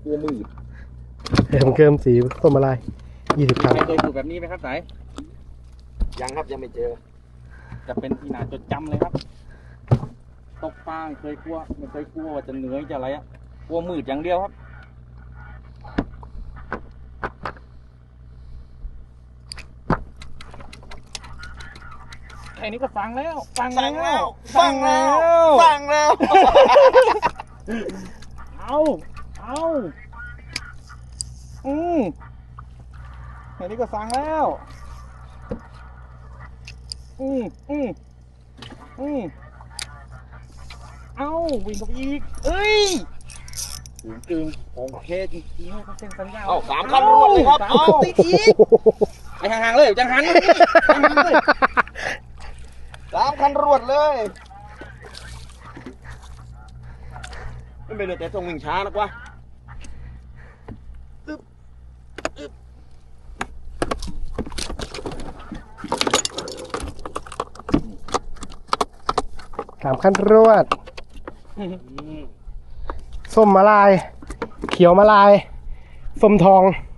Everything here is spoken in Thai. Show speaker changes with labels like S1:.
S1: ลัวมืด
S2: เกิมสีส้มอะไร20 ครั้ง
S1: ใครเคยสูบแบบนี้ไหมครับสายยังครับยังไม่เจอจะเป็นที่น่าจดจำเลยครับตกปลาเคยกลัวไม่เคยกลัวว่าจะเหนื่อยจะอะไรอะกลัวมืดอย่างเดียวครับแค่นี้ก็ฟังแล้วฟังแล้วเอาแค่นี้ก็ฟังแล้วเอาวิ่งกับอีกเอ้ยจึงโอเคจริงๆเขาเซ็นสัญญาเอา3 คันรวดเลยครับเอาติดอีกไปห่างๆเลยจังหันเลย3 คันรวดเลยไม่เป็นไรแต่ต้องวิ่งช้านักวะ
S2: 3 ขั้นรวดส้มมะลายเขียวมะลายส้มทอง